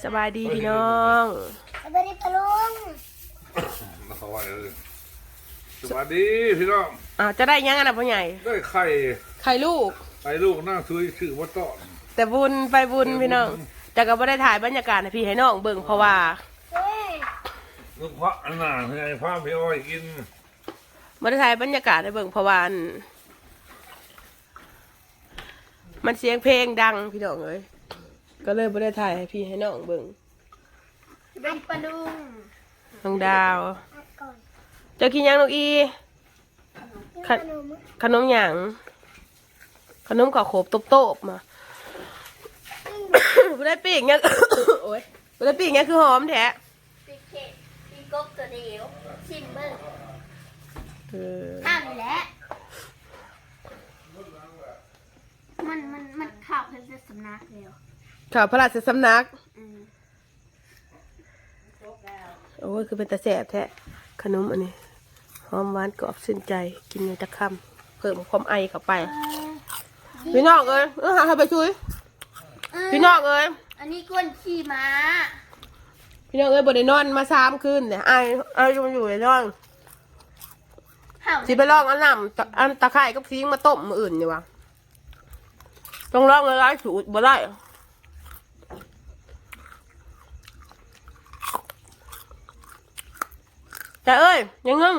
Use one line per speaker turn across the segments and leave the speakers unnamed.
สบายดีพี่น้อง
สวัสดีปะลุง
มาเขาว่าเลยสวัสดีพี่น้อง
จะได้ยังไงนะพ่อใหญ่
ได้ไข่
ลูก
ไข่ลูกนั่งซื้อชื่อว่าต้อน
แต่บุญไปบุญพี่น้องแต่ก็ไม่ได้ถ่ายบรรยากาศให้พี่ให้น้องเบิ่งเพราะว่า
เฮ้ย
ลูกพระอันน่ะไงพระพี่อ้อยกิน
ไม่ได้ถ่ายบรรยากาศให้เบิ่งเพราะว่ามันเสียงเพลงดังพี่น้องเลยก็เลยไม่ได้ถ่ายให้พี่ให้น้องเบิ่ง
เป็นปะลุง
น้องดาว
อัดก่อน
เจะกินยังน้องอี
ขนม
ขนมหยังขนมข้าวโขบโตบๆมา ไม่ได้ปีกเนี่ย โอ้ยไม่ได้ปีกเนี่ยคือหอมแท้
ปีเค้กปีกบตัวเดียวชิมเบิ้ง
เออ
ห้ามอยู่แล้วมันข่าวเพิ่นจะสำนักเดียว
ข่าวพระราชสำนัก
อืม
โอ้ยคือเป็นตาแสบแท้ขนมอันนี้หอมหวานกรอบชื่นใจกินอย่างตะคำเพิ่มความไอเข้าไปพี่น้องเอ้ยหาใครไปช่วยพี่น้องเอ้ย
อันนี้ก้นขี่ม้า
พี่น้องเอ้ยบ่ได้นอนมา3 คืนเนี่ยไอมันอยู่ในนอน
เห่า
สิไปลองอันน้ำอันตะไคร้กับซีงมาต้มมืออื่นอยู่วะต้องลองเลยร้ายสูตรบ่ได้แต่เอ้ยยังงึ่ง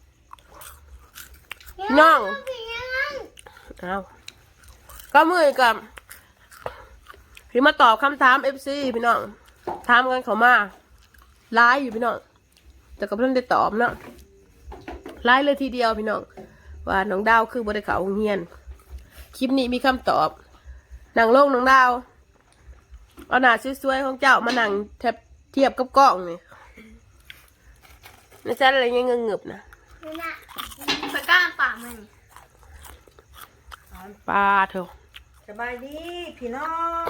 พี่น้องเอาก็มือกับพี่มาตอบคำถาม FC พี่น้องถามกันเขามาไลน์อยู่พี่น้องแต่ก็เพิ่งได้ตอบเนาะไลน์เลยทีเดียวพี่น้องว่าน้องดาวคือบริเขาโรงเรียนคลิปนี้มีคำตอบหนังโลกน้องดาวเอาหน้าสวยๆของเจ้ามาหนังเทียบกับกล้องนี่ไม่ใช่อะไรเงี้ยเงือบๆนะ
นี่นะไปก้ามป่ามัน
ปลาเถอะ
สบายดีพี่น้อง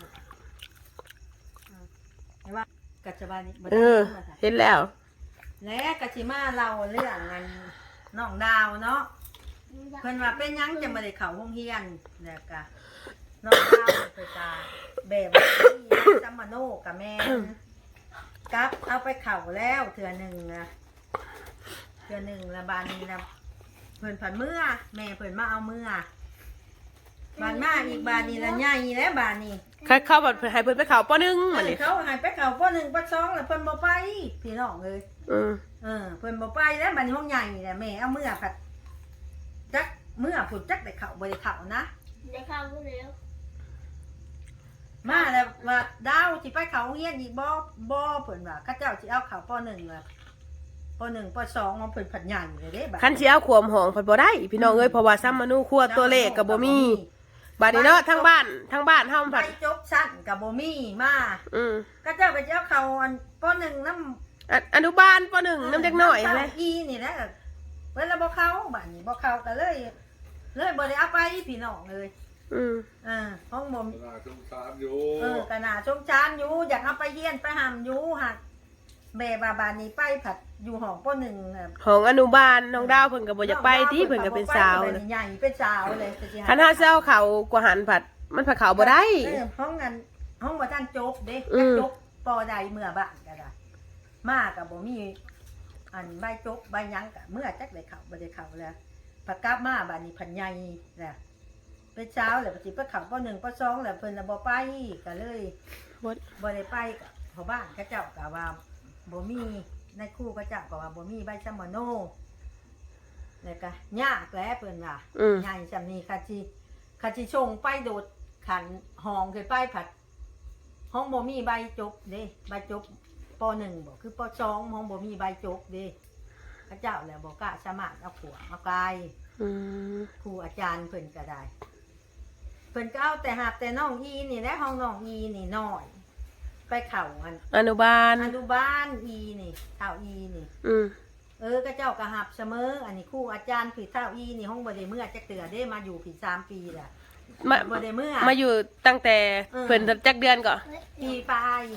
เห็นว่ากัจจบาลนี้บ่
เอ
ได้
อ
มาจ้ะ
เห็นแล้ว
และกัจจิมาเราเรื่องงานน้องดาวเนาะเพิ่นว่าเป็นหยังจะมาได้เข้าโรงเรียนแล้วก็น้องดาวเพิ่นก็แบบว่าที่ซัมมาโนกับแม่นกับเอาไปเข้าแล้วเทื่อหนึงนะเทื่อหนึงละบานนี้นะเพิ่นผันเมื่อแม่เพิ่นมาเอาเมื่อบานมาอีกบานนี้ละใหญ่แล้วบานนี้
เข้าบัดให้เพิ่นไปเขาป้อนึงมาเลย
เขาหายไปเขาป้อหนึ่งป้อสองแล้วเพิ่นบ่ไปพี่น้องเลย เพิ่นบ่ไปแล้วบัดนี้ห้องใหญ่นี่แหละแม่เอาเมื่อผัดจักเมื่อผุดจักได้เข้าบ่ได้เข้านะ
ได้ข้าวพูดแล้ว
มาแล้วว่าดาวสิไปเข้าโรงเรียนอีกบ่เพิ่นว่าเขาเจ้าสิเอาเข้าป้อหนึ่งล่ะป้อหนึ่งป้อสองของเพิ่นผัดใหญ่เลยเด้บัด
คันสิเอาขวมหองเพิ่นบ่ได้พี่น้องเอ้ยเพราะว่าซ้ำมนุครัวตัวเลขก็บ่มีบัดนี้เนาะทั้งบ้านเฮา
ไป
ผัด
จบชั้นก็บ่มีมา เขาเจ้าก็สิเอาเข้าอันป้อหนึ่งนำ
อนุบาลป้อนึงน้ำเด็กน้อยอะไร
อีนี่แหละเวลาบ่เข้าบ้านนี้บ่เข้าก็เลยบ่ได้เอาไปพี่น้องเลยห้องบ่ม
น่าสงสารอยู่
ก็น่าสงสารอยู่อยากเอาไปเฮียนไปหำอยู่หักแม่บานนี้ไปผัดอยู่ห้องป้หนึ่ง
ของอนุบาลน้องดาวเพิ่นก็บ่อยากไปที่เพิ่นก็เป็นสาว
เลยใหญ่เป็นสาวเลย
คันเฮาสิเอาเขากว่าหันผัดมันผัดเขาบ่ได้
ห้องนั้นห้องบ่ทันจบเด้จบปอใดเมื่อบ้านก็ได้มาก็บ่มีอันใบจบใบยังก็เมื่อจักได้เข้าบ่ได้เข้าแล้วผัดกลับมาบ้านนี้ผัดใหญ่แหละเป็นเช้าแล้วสิไปเข้าป้หนึ่งป้สองแล้วเพิ่นน่ะบ่ไปก็เลยบ่ได้ไปก็พ่อบ้านเขาเจ้าก็ว่าบ่มีในครู่เขาเจ้าก็ว่าบ่มีใบซัมมาโนแล้วก็ยากแล้วเพิ่นว่าใหญ่จำนี้ค่ะสิชงไปโดดขันห้องขึ้นไปผัดห้องบ่มีใบจบเด้ใบจบป .1 บ่คือป .2 ห้องบ่มีใบจบเด้เขาเจ้าแล้วบ่กล้าสามารถเอาขัวเอากายครูอาจารย์เพิ่นก็ได้เพิ่นก็เอาแต่หาบแต่น้องอีนี่แหละห้องน้องอีนี่น้อยไปเข่า
อนุบาล
อีนี่เท่าอีนี่ก็เจ้ากระหับเสมออันนี้ครูอาจารย์ผีเท่าอีนี่ห้องบ่ได้เมื่อจักเตือได้มาอยู่ผี3 ปีแหละบ่ได้เมื่อ
มาอยู่ตั้งแต่เพิ่นจักเดือนก่อน
ปีปลาย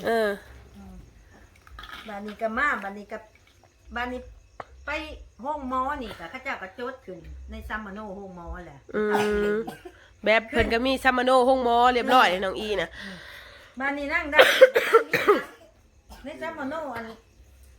บ้านนี้ก็มาบ้านนี้ไปห้องหมอนี่ก็เขาเจ้าก็จดขึ้นในซัมมาโนห้องหมอแหละ
แบบเพิ่นก็มีซัมมาโนห้องหมอเรียบร้อยน้องอีน่ะ
บ้านนี้นั่งได้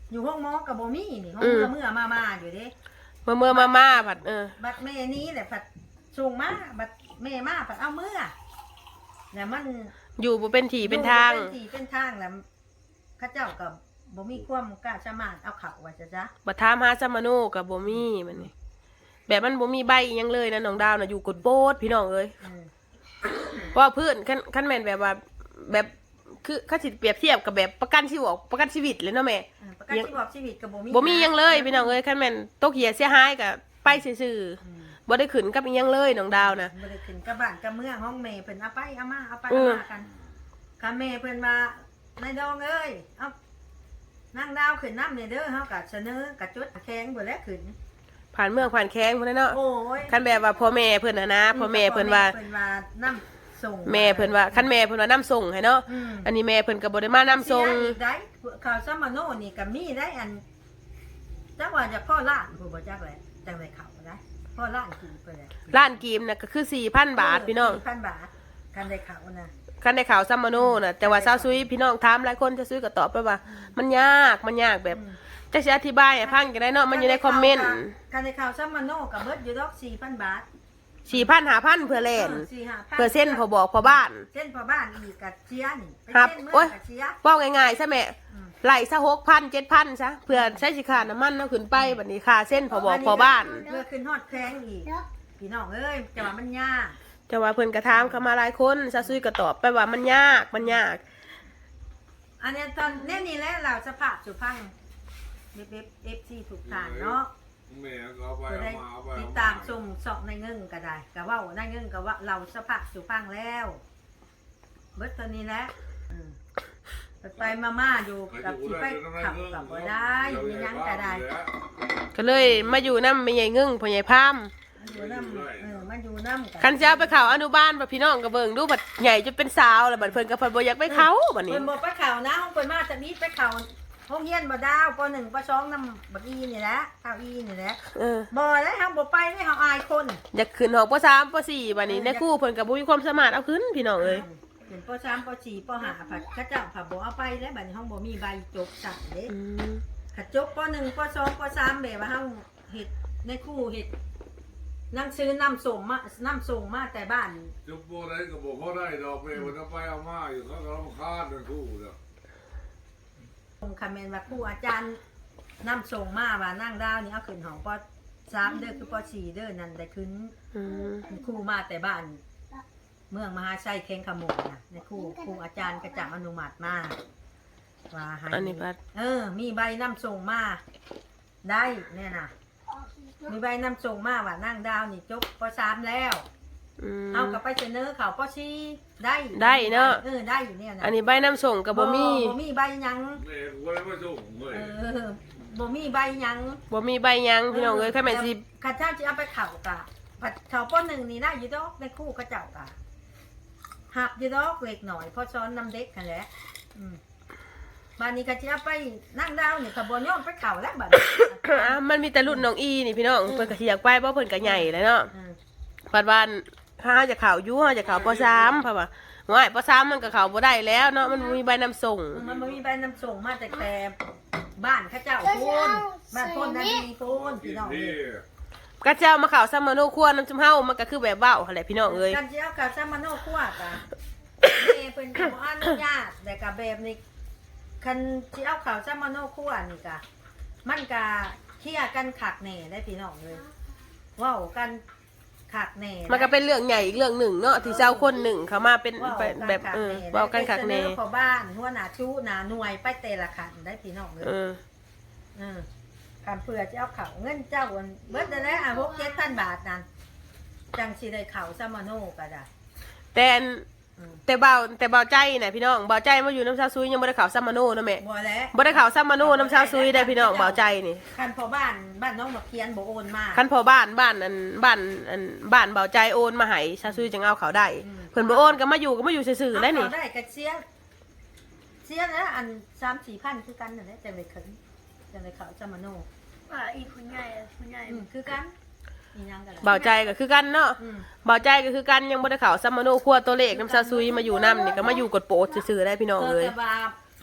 อยู่ห้องหมอกับบ่มีนี่ห้องเมื่อมาอยู่เด้
เมื่อมาผัด
บัดแม่นี้แหละผัดส่งมาบัดแม่มาผัดเอาเมื่อแล้วมัน
อยู่บ่เป็นที่เป็นทาง
เป็นที่เป็นทางแล้วข้าเจ้ากับบ่มีความกล้าสามารถเอาเขาว่าจะจ๊ะ
บัดถามหาซัมมาโนกับบ่มีมันนี่แบบมันบ่มีใบอิหยังเลยนะน้องดาวน่ะอยู่กดโบดพี่น้องเอ้ยเพราะว่าเพื่อนคันแม่นแบบว่าแบบคือเขาสิเปรียบเทียบกับแบบประกันชีวิตเลยเนาะแม่
ประกันชีวิตกับบ่มี
บ่มีหยังเลยพี่น้องเอ้ยคันแม่นตกเหียเสียหายก็ไปซื่อๆบ่ได้ขึ้นกับอิหยังเลยน้องดาวนะ
บ่ได้ขึ้นกับบ้านกับเมืองห้องแม่เพิ่นเอาไปเอามากันคันแม่เพิ่นว่านายดองเอ้ยเอานางดาวขึ้นน้ำเนี่ยเด้อเฮาก็เสนอกระจุดแข็งบ่แล้วขึ้น
ผ่านเมืองผ่านแข้งพุ่นน่ะเนาะ
โอ้ย
คันแบบว่าพ่อแม่เพิ่นน่ะนะพ่อแม่เพิ่นว่า
น้ำส่ง
แม่เพิ่นว่าคันแม่เพิ่นว่านํส่งให้เนาะอันนี้แม่เพิ่นก็บ่ได้มานํส่ง
เสียอีกได้ข่าวซัมมาโนนี่ก็มีได้อันจักว่าจะพ่อล้านผู้บ่จักแหละจังได๋เขาได้พ่อล้านกี่เพิ่นแหละ
ร้านกีมน่ะก็คือ 4,000 บาทพี่น้อง
4,000 บาทกันได้เขานะ
คันได้ข่าวซัมมาโนน่ะแต่ว่าซาวซุยพี่น้องถามหลายคนจะซื้อก็ตอบไปว่า มันยากแบบจะสิอธิบายให้ฟังกันได้เนาะมันอยู่ในคอมเมนต์
กันได้ข่าวซัมมาโนก็เบิดอยู่ดอก 4,000 บาท
4,000 5,000เพื่อแล่น
4-5,000
เพื่อเส้นพอบอกพอบ้าน
เส้นพอบ้านอีกกับเชียนี่ไป
ครับ
เส้นเมื่
โอ๊ย
กับเชีย
เว้าง่ายๆซะแม่ไหลซะ6,000 7,000ซะเพื่อใช้สิค่าน้ำมันเนาะขึ้นไปบัดนี้ค่าเส้นพอบอกพอบ้าน
เพื่อขึ้นฮอดแพงอีกพี่น้องเอ้ยจะว่ามันยาก
แต่ว่าเพิ่นก็ถามเข้ามาหลายคนซาวซุยก็ตอบไปว่ามันยาก
อันนี้ตอนนี่แหละเราสภาพสุพังเอฟซีถูกทานเนาะ
แม่ก็เอาไป
จะ
เอา
ได้
มาเอาไป
ติด
เอา
ตาม
มา
ชมสอบในเงินก็ได้ก็ว่าในเงินก็ว่าเราสภาพสุพังแล้วเบิดตัวนี้แหละไปมาอยู่กับที่ไปขับกับบ่ได้มีหยังก็ได้
ก็เลยมาอยู่นำแม่ใหญ่งึ่งพ่อใหญ่พาม
มันอยู่น้ำมันอยู่น้ำ
คันสิเอาไปเข้าอนุบาลบ่พี่น้องก็เบิ่งดูบัดใหญ่จนเป็นสาวแล้วบัดเพิ่นก็เพิ่นบ่อยากไปเข้าบัดนี้
เพิ่นบอกไปเข่านะห้องเพิ่นมาจะมีไปเข่าห้องเฮียนบ่ดาวป .1 ป .2 นำบักอีนี่แหละเท่าอีนี่แหละ บ่ได้เฮาบ่ไปได้เฮาอายคน
อยากขึ้นหอป.3 ป .4 บัดนี้ในครูเพิ่นก็บ่มีความสามารถเอาขึ้นพี่น้องเอ้ย
เป็นป .3 ป .4 ป .5 ผัดเขาเจ้าผัดบ่เอาไปแล้วบัดนี้ห้องบ่มีใบจบสั่งเด้ขัดจบป .1 ป .2 ป .3 แบบว่าเฮาเฮ็ดในครูเฮ็ดหนังสือนำส่งมาแต่บ้าน
จุบโบได้กับโบเขาได้ดอกเบี้ยมันเอาไปเอามาอยู่เขาก็รำคาญเป็นคู่เด้อ
คอมเมนต์ว่าครูอาจารย์นำส่งมาว่านั่งดาวนี่เอาขึ้นห้องป .3 เด้อคือป .4 เด้อนั่นได้ขึ้นครูมาแต่บ้าน เมืองมหาชัยเข่งขโมยนะในครูอาจารย์กระจับอนุมัติมาว่าให้
อันนี้พัด
มีใบนำส่งมาได้เนี่ยนะมีใบนำส่งมาว่านั่งดาวนี่จบป .3 แล้วเอากลับไปเสนอเขาป .4 ได้เนาะได้อยู่เนี่ยนะ
อันนี้ใบนำส่งก็บ่มี
บ่มีใบหยัง
แม่กูเลยมาส่งเลย
บ่มีใบหยัง
บ่มีใบหยังพี่น้องเอ้ยคันแม่นสิ
ข้าเจ้าจะเอาไปเข่ากะเขาป .1 นี่ได้อยู่ดอกในครู่กระเจ้ากะหับอยู่ดอกเล็กหน่อยเพราะซ้อนน้ำเด็กกันแหละบ้านนี้ก็จะเอาไปนั่งดาวนี่ขบวนย้อนไปเข่าแล้วบัดนี้
มันมีแต่รุ่นน้องอีนี่พี่น้องเพิ่นก็สิอยากไปเพราะเพิ่นก็ใหญ่แล้วเนาะปัดวันถ้าเฮาจะเข้าอยู่เฮาจะเข้าป .3 เพราะว่าว่าป .3 มันก็เข้าบ่ได้แล้วเนาะมันมีใบนำส่ง
มันบ่มีใบนำส่งมาแต่บ้านข้าเจ้าพูนบ้านพูนนั่นนี่พูนพี่น้อง
ที่
กระเจ้ามาเข้าซัมมาโนครัวน้ำจุ่มเฮามันก็คือแบบเว้าหั่นแหละพี่น้องเอ้ย
กันเจ้ากับซามาโนคั่วกะแม่เพิ่นก็บ่อนุญาตแต่ก็แบบนี้คันสิเอาข้าวซามาโนคั่วนี่กะมันก็เคลียร์กันคักแน่ได้พี่น้องเลยเว้ากันคักแน่
มันก็เป็นเรื่องใหญ่อีกเรื่องหนึ่งเนาะที่เจ้าคนหนึ่งเขามาเป็นแบบเว้ากันคักแน่
พอบ้านหัวหน้าชู้หน้าหน่วยไปแต่ละขันได้พี่น้องเลยการเผื่อจะเอาเขาเงินเจ้าวันเบิดได้แล้ว6-7,000 บาทนั่นจังสิได้เขาซามาโนก็ได้
แต่เบาใจนะพี่น้องเบาใจมาอยู่น้ำชาซุยยังบ่ได้ข่าวซัมมาโนนะแม่
บ่แล้ว
บ่ได้ข่าวซัมมาโนน้ำชาซุยได้พี่น้องเบาใจนี่
คันพอบ้านน้องบักเคียนบ่โอนมา
คันพอบ้านเบาใจโอนมาให้ชาซุยจึงเอาเขาได้เพิ่นบ่โอนก็มาอยู่ซื่อๆได้นี่
เอาได้ก็เสียแล้วอัน 3-4,000คือกันนั่นแหละจังได๋ขึ้นจังได๋เขาซามาโน
อีกคุณใหญ่คุณใหญ่
คือกันอีหยังกันล่ะ
เบาใจก็คือกันเนาะเบาใจก็คือกันยังบ่ได้ข่าวซัมมาโนครัวตัวเลขน้ำชาซุยมาอยู่นำนี่ก็มาอยู่กดโปดซื่อๆได้พี่น้องเอ้ย
แต่ว่า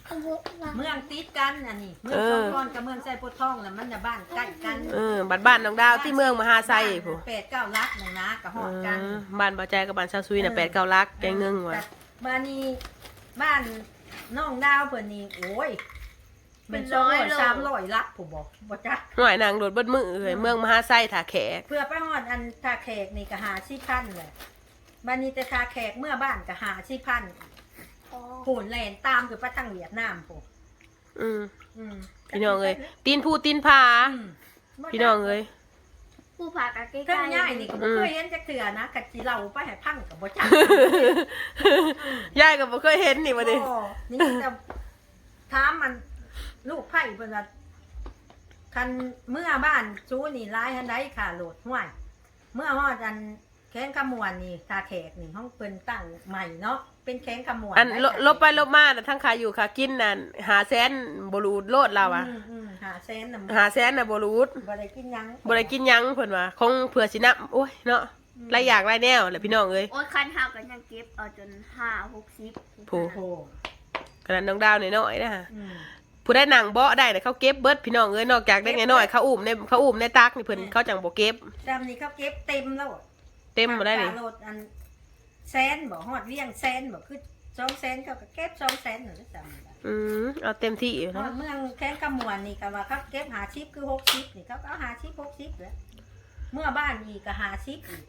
เมืองติดกันอันนี้เมืองสองก้อนกับเมืองไซโพธิ์ทองน่ะมันน่ะบ้านใกล้กัน
บ้านน้องดาวที่เมืองมหาไซผู้
8-9 ลักนึงนะก็ฮอดกัน
บ้านบ่ใจกับบ้านชาวซุยน่ะ8-9 ลักแกงนึงว่ะ
บ้านนี้บ้านน้องดาวเพิ่นนี่โอ้ยเป็น200-300ลักผู้บ่จัก
หน่อยนางโดดเบิดมือเอ้ยเมืองมหาไซท่าแขก
เพื่อไปฮอดอันทาแขกนี่ก็50,000แหละบ้านนี้แต่ทาแขกเมื่อบ้านก็50,000โหนแล่นตามคือไปทางเวียดนามผู้
พี่น้องเอ้ยตีนผู้ตีนผาพี่น้องเอ้ย
ผู้พากะใกล้
เครื่องย่ายนี่ก็บ่เคยเห็นจักเทื่อนะกัดสิเล่าไปให้พังก็บ่จัก
ยายก็บ่เคยเห็นนี่ว่าดิ
นี่จะถามมันลูกไผ่เพิ่นว่าคันเมื่อบ้านชูนี่ร้ายหันใดค่ะโหลดห้วยเมื่อฮอดอันแข้งขมวนนี่ทาแขกนี่ห้องเพิ่นตั้งใหม่เนาะเป็นแข้งขมวน
อันลบไปลบมาน่ะทั้งขาอยู่ขากินนั่น500,000บ่รูดโลดเราอ่ะ
500,000น่ะ
500,000น่ะบ่รูด
บ่ได้กินหยัง
บ่ได้กินหยังเพิ่นว่าคงเผื่อสินับโอ้ยเนาะหลายอย่างหลายแนวแหละพี่น้องเอ้ย
โอ้ยคันหากันยังเก็บเอาจน5-60
ผู้
โอ้
ขนาดน้องดาวน้อยๆนะฮะ
อืม
ผู้ได้หนังเบาะได้แต่เขาเก็บเบิดพี่น้องเอ้ยนอกจากได้น้อยๆเขาอุ้มในตักนี่เพิ่นเขาจังบ่เก็บ
จำนี่เขาเก็บเต็มแล้ว
เต็มบ่ได้นี่
โหลดอันแสนบ่ฮอดเวียงแสนบ่คือ200,000เขาก็เก็บ200,000นั่นแหละจำได้
เอาเต็มที่อยู่
ฮอ
นะ
ดเมืองแข้งขมวนนี่ก็ว่าเขาเก็บ50คือ60นี่เขาก็เอา50-60แล้วเมื่อบ้านอีกก็50อีก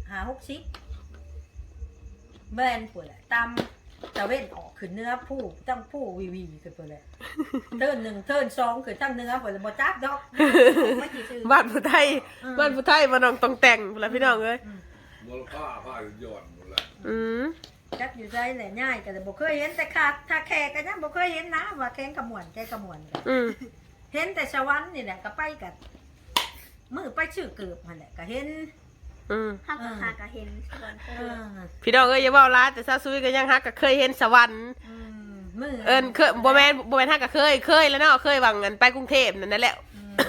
50-60แม่นพุ่นแหละตามตะเว้นออกขึ้นเนื้อผู้ตั้งผู้วีขึ้นพุ่นแหละเทิร์น1เทิร์น2ขึ้นทั้งเนื้อพุ่นบ่จักดอกไม่สิซื้อ
บ้านผู้ไทยบ้านผู้ไทยมาน้องต้องแต่งพุ่นล่ะพี่น้องเอ้ย
มูลค่าผ้าหย่อนหมดแล้ว
จักอยู่ใจแหละง่ายก็แต่บ่เคยเห็นแต่ขาดถ้าแขกก็ยังบ่เคยเห็นนะว่าแข้งขมวนแข้งขมวนกันเห็นแต่สวรรค์นี่แหละก็ไปกันมือไปชื่อเกือบมันแหละก็เห็น
ถ้าก็หากะเห็นส่วน
เออ
พี่น้องเอ้ยอย่าเว้าร้ายแต่ซาซุยก็ยังฮักก็เคยเห็นสวรรค์
มือ
เคยบ่แม่นฮักก็เคยแล้วเนาะเคยวังกันไปกรุงเทพนั่นแหละ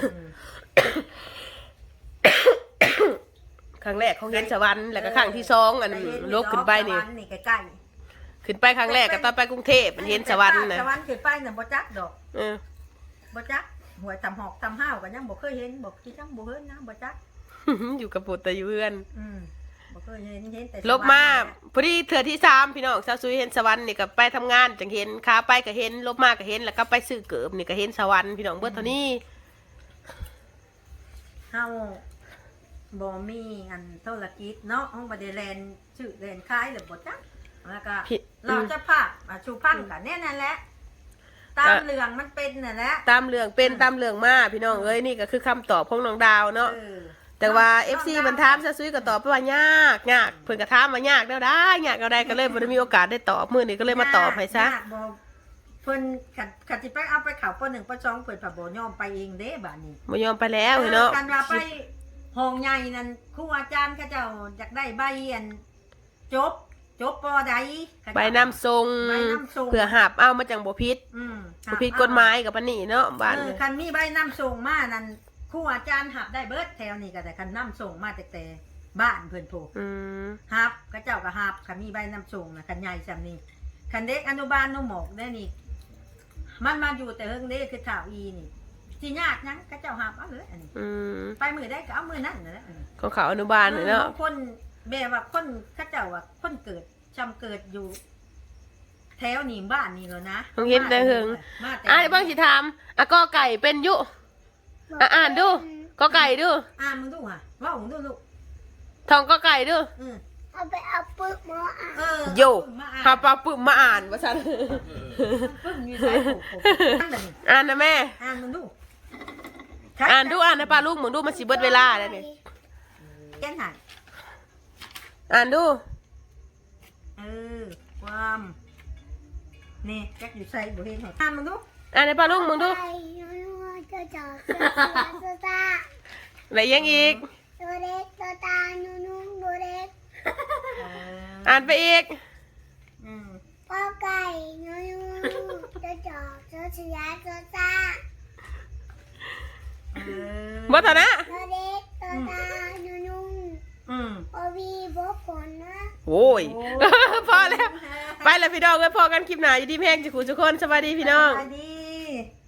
ครั้งแรกเขาเห็นสวรรค์แล้วก็ครั้งที่2อันลกขึ้นไปนี่
สวรรค์นี่ใกล้
ขึ้นไปครั้งแรกก็ตอนไปกรุงเทพมันเห็นสวรรค์นะ
สวรรค์ขึ้นไปน่ะบ่จักดอก
เออ
บ่จักหวยทำหอกทำห้าวก็ยังบ่เคยเห็นบ่คิดจังบ่เห็นนะบ่จัก
อยู่กับปุตตะอยู่เพื่อน
บ่เคยเห็นแต่
ลบมาพอดีเถื่อที่3พี่น้องซาซุยเห็นสวรรค์นี่ก็ไปทำงานจังเห็นขาไปก็เห็นลบมาก็เห็นแล้วก็ไปซื้อเกิบนี่ก็เห็นสวรรค์พี่น้องเบิดเท่านี้
เฮาบ่มีอันธุรกิจเนาะเฮาบ่ได้แลนชื่อแลนขายหรือบ่จักแล้วก็เราจะพาชูพังกันแน่นั่นแหละตามเรื่องมันเป็นน่ะแหละ
ตามเรื่องเป็นตามเรื่องมาพี่น้องเอ้ยนี่ก็คือคำตอบของน้องดาวเนาะ แต่ว่า FC มันถามซะซุยก็ตอบไปว่ายากเพิ่นก็ถามว่ายากแล้วได้ยากแล้วได้ก็เลยบ่ได้มีโอกาสได้ตอบมื้อนี้ก็เลยมาตอบให้ซะ
บ่เพิ่นขัดสิไปเอาไปเข้าป.1 ป.2เพิ่นก็บ่ยอมไปเองเด้บัดนี้
บ่ยอมไปแล้วเนาะ
กันว่าไปห้องใหญ่นั่นครูอาจารย์เขาเจ้าอยากได้ใบอันจบปอใด
ใบนำทรงเพื่อหับเอามาจังบ่ผิดบ่ผิดกฎหมายกับปานนี้เนาะบ้าน
คันมีใบนำส่งมานั่นครูอาจารย์หับได้เบิดแถวนี้ก็แต่คันนำส่งมาแต่บ้านเพิ่นโพหับเขาเจ้าก็หับคันมีใบนำส่งน่ะคันใหญ่ซำนี้คันเด็กอนุบาลนุ่มหมอกได้นี่มันมาอยู่แต่เฮิงเด้คือข่าวอีนี่สิยากนังเขาเจ้าหับเอาเลยอันนี้ไปมือได้ก็เอามือนั่นนั่นแหละอันนี้
ของเขาอนุบาลเนาะ
คนแบบว่าคนเขาเจ้าว่าคนเกิดจำเกิดอยู่ แถวนี่บ้านนี่แล้วนะ
ต้องเห็นแต่เฮิงบางสิถามกอไก่เป็นยุอ่านดูกอไก่ดู
มึงดูอ่ะว่ามึงดูลูก
ทองกอไก่ดู
เอาไปเอาปึ๊กมาอ่ะ
โยหาปลาปึ้มมาอ่านว่าซั่น
ปึ้งอยู่ใส่ผูก
อ่านนะแม่
มึงดู
อ่านนะป้าลูกมึงดูมันสิเบิดเวลาแล้วนี่
แก้ไหน
อ่านดู
ความนี่แจ็คอยู่ใส่บุเห็นไหมมึงดู
อ่านให้ป้าลูกมึงดูอะไรยังอีกอ่านไปอีก
พ่อไก่นูจะจอกจะเสียจะซ่า
บ่เท่านะ
ตัวเล็กตัวตานุ่งโอวีบผลนะ
โอ้ยพอแล้วไปแล้วพี่น้องเอ้ยพอกันคลิปหน้าอยู่ดีแพงจิกูทุกคนสวัสดีพี่น้อง
สวัสดี